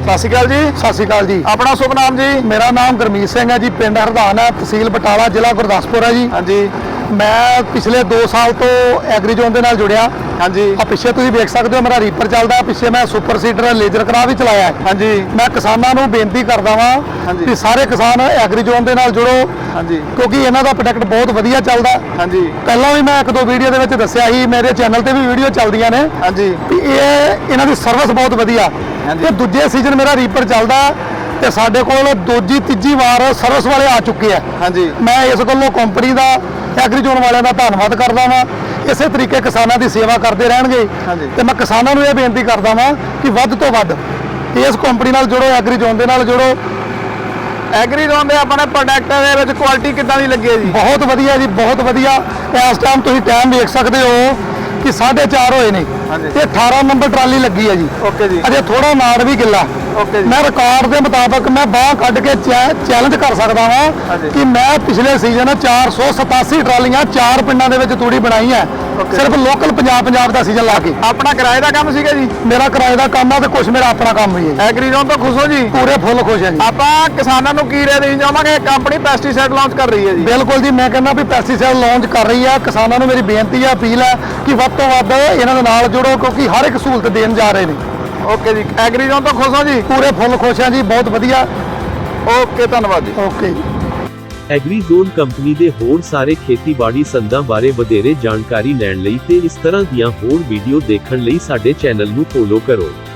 ਸਤਿ ਸ਼੍ਰੀ ਅਕਾਲ ਜੀ। ਸਤਿ ਸ਼੍ਰੀ ਅਕਾਲ ਜੀ। ਆਪਣਾ ਸ਼ੁਭ ਨਾਮ ਜੀ? ਮੇਰਾ ਨਾਮ ਗੁਰਮੀਤ ਸਿੰਘ ਹੈ ਜੀ, ਪਿੰਡ ਹਰਦਾਨ ਹੈ, ਤਹਿਸੀਲ ਬਟਾਲਾ, ਜ਼ਿਲ੍ਹਾ ਗੁਰਦਾਸਪੁਰ ਹੈ ਜੀ। ਹਾਂਜੀ ਮੈਂ ਪਿਛਲੇ 2 ਸਾਲ ਤੋਂ ਐਗਰੀ ਜ਼ੋਨ ਦੇ ਨਾਲ ਜੁੜਿਆ। ਹਾਂਜੀ ਆ ਪਿੱਛੇ ਤੁਸੀਂ ਵੇਖ ਸਕਦੇ ਹੋ ਮੇਰਾ ਰੀਪਰ ਚੱਲਦਾ, ਪਿੱਛੇ ਮੈਂ ਸੁਪਰ ਸੀਡਰ ਲੇਜ਼ਰ ਕਰਾ ਵੀ ਚਲਾਇਆ ਹੈ। ਹਾਂਜੀ ਮੈਂ ਕਿਸਾਨਾਂ ਨੂੰ ਬੇਨਤੀ ਕਰਦਾ ਵਾਂ ਕਿ ਸਾਰੇ ਕਿਸਾਨ ਐਗਰੀ ਜ਼ੋਨ ਦੇ ਨਾਲ ਜੁੜੋ, ਹਾਂਜੀ ਕਿਉਂਕਿ ਇਹਨਾਂ ਦਾ ਪ੍ਰੋਡਕਟ ਬਹੁਤ ਵਧੀਆ ਚੱਲਦਾ। ਹਾਂਜੀ ਪਹਿਲਾਂ ਵੀ ਮੈਂ 1-2 ਵੀਡੀਓ ਦੇ ਵਿੱਚ ਦੱਸਿਆ ਸੀ, ਮੇਰੇ ਚੈਨਲ ਤੇ ਵੀ ਵੀਡੀਓ ਚੱਲਦੀਆਂ ਨੇ ਹਾਂਜੀ ਵੀ ਇਹਨਾਂ ਦੀ ਸਰਵਿਸ ਬਹੁਤ ਵਧੀਆ। ਤੇ ਦੂਜੇ ਸੀਜ਼ਨ ਮੇਰਾ ਰੀਪਰ ਚੱਲਦਾ ਤੇ ਸਾਡੇ ਕੋਲ 2-3 ਵਾਰ ਸਰਵਿਸ ਵਾਲੇ ਆ ਚੁੱਕੇ ਆ। ਹਾਂਜੀ ਮੈਂ ਇਸ ਗੱਲੋਂ ਕੰਪਨੀ ਦਾ, ਐਗਰੀ ਜ਼ੋਨ ਵਾਲਿਆਂ ਦਾ ਧੰਨਵਾਦ ਕਰਦਾ ਵਾਂ। ਇਸੇ ਤਰੀਕੇ ਕਿਸਾਨਾਂ ਦੀ ਸੇਵਾ ਕਰਦੇ ਰਹਿਣਗੇ। ਤੇ ਮੈਂ ਕਿਸਾਨਾਂ ਨੂੰ ਇਹ ਬੇਨਤੀ ਕਰਦਾ ਵਾਂ ਕਿ ਵੱਧ ਤੋਂ ਵੱਧ ਇਸ ਕੰਪਨੀ ਨਾਲ ਜੁੜੋ, ਐਗਰੀ ਜ਼ੋਨ ਦੇ ਨਾਲ ਜੁੜੋ। ਐਗਰੀ ਜ਼ੋਨ ਦੇ ਆਪਣੇ ਪ੍ਰੋਡਕਟ ਦੇ ਵਿੱਚ ਕੁਆਲਿਟੀ ਕਿੱਦਾਂ ਦੀ ਲੱਗੀ ਹੈ ਜੀ? ਬਹੁਤ ਵਧੀਆ ਜੀ, ਬਹੁਤ ਵਧੀਆ। ਇਸ ਟਾਈਮ ਤੁਸੀਂ ਟਾਈਮ ਵੇਖ ਸਕਦੇ ਹੋ ਕਿ 4:30 ਹੋਏ ਨੇ ਤੇ 18 ਨੰਬਰ ਟਰਾਲੀ ਲੱਗੀ ਹੈ ਜੀ। ਓਕੇ ਜੀ। ਅਜੇ ਥੋੜਾ ਨਾੜ ਵੀ ਗਿੱਲਾ। ਓਕੇ ਜੀ। ਮੈਂ ਰਿਕਾਰਡ ਦੇ ਮੁਤਾਬਕ ਮੈਂ ਬਾਹ ਕੱਢ ਕੇ ਚੈਲੰਜ ਕਰ ਸਕਦਾ ਹਾਂ ਕਿ ਮੈਂ ਪਿਛਲੇ ਸੀਜ਼ਨ 487 ਟਰਾਲੀਆਂ 4 ਪਿੰਡਾਂ ਦੇ ਵਿੱਚ ਤੂੜੀ ਬਣਾਈ ਹੈ, ਸਿਰਫ ਲੋਕਲ ਪੰਜਾਬ ਦਾ ਸੀਜ਼ਨ ਲਾ ਕੇ। ਆਪਣਾ ਕਿਰਾਏ ਦਾ ਕੰਮ ਸੀਗਾ ਜੀ? ਮੇਰਾ ਕਿਰਾਏ ਦਾ ਕੰਮ ਆ ਤੇ ਕੁਝ ਮੇਰਾ ਆਪਣਾ ਕੰਮ ਵੀ ਹੈ। ਐਗਰੀ ਜ਼ੋਨ ਤੋਂ ਖੁਸ਼ ਹੋ ਜੀ? ਪੂਰੇ ਫੁੱਲ ਖੁਸ਼ ਹੈ ਜੀ। ਆਪਾਂ ਕਿਸਾਨਾਂ ਨੂੰ ਕੀ ਰਾਏ ਦੇਣੀ ਚਾਹਾਂਗੇ? ਕੰਪਨੀ ਪੈਸਟੀਸਾਈਡ ਲਾਂਚ ਕਰ ਰਹੀ ਹੈ ਜੀ। ਬਿਲਕੁਲ ਜੀ, ਮੈਂ ਕਹਿੰਦਾ ਵੀ ਪੈਸਟੀਸਾਈਡ ਲਾਂਚ ਕਰ ਰਹੀ ਹੈ। ਕਿਸਾਨਾਂ ਨੂੰ ਮੇਰੀ ਬੇਨਤੀ ਹੈ, ਅਪੀਲ ਹੈ ਕਿ ਵੱਧ ਤੋਂ ਵੱਧ ਇਹਨਾਂ ਦੇ ਨਾਲ ਜੁੜੋ, ਕਿਉਂਕਿ ਹਰ ਇੱਕ ਸਹੂਲਤ ਦੇਣ ਜਾ ਰਹੇ ਨੇ। ਓਕੇ ਜੀ। ਐਗਰੀ ਜ਼ੋਨ ਤੋਂ ਖੁਸ਼ ਹੋ ਜੀ? ਪੂਰੇ ਫੁੱਲ ਖੁਸ਼ ਹਾਂ ਜੀ, ਬਹੁਤ ਵਧੀਆ। ਓਕੇ, ਧੰਨਵਾਦ ਜੀ। ਓਕੇ ਜੀ। ਐਗਰੀ ਜ਼ੋਨ ਕੰਪਨੀ ਦੇ ਹੋਰ ਸਾਰੇ ਖੇਤੀਬਾੜੀ ਸੰਦਾਂ ਬਾਰੇ ਵਧੇਰੇ ਜਾਣਕਾਰੀ ਲੈਣ ਲਈ ਤੇ ਇਸ ਤਰ੍ਹਾਂ ਦੀਆਂ ਹੋਰ ਵੀਡੀਓ ਦੇਖਣ ਲਈ ਸਾਡੇ ਚੈਨਲ ਨੂੰ ਫੋਲੋ ਕਰੋ।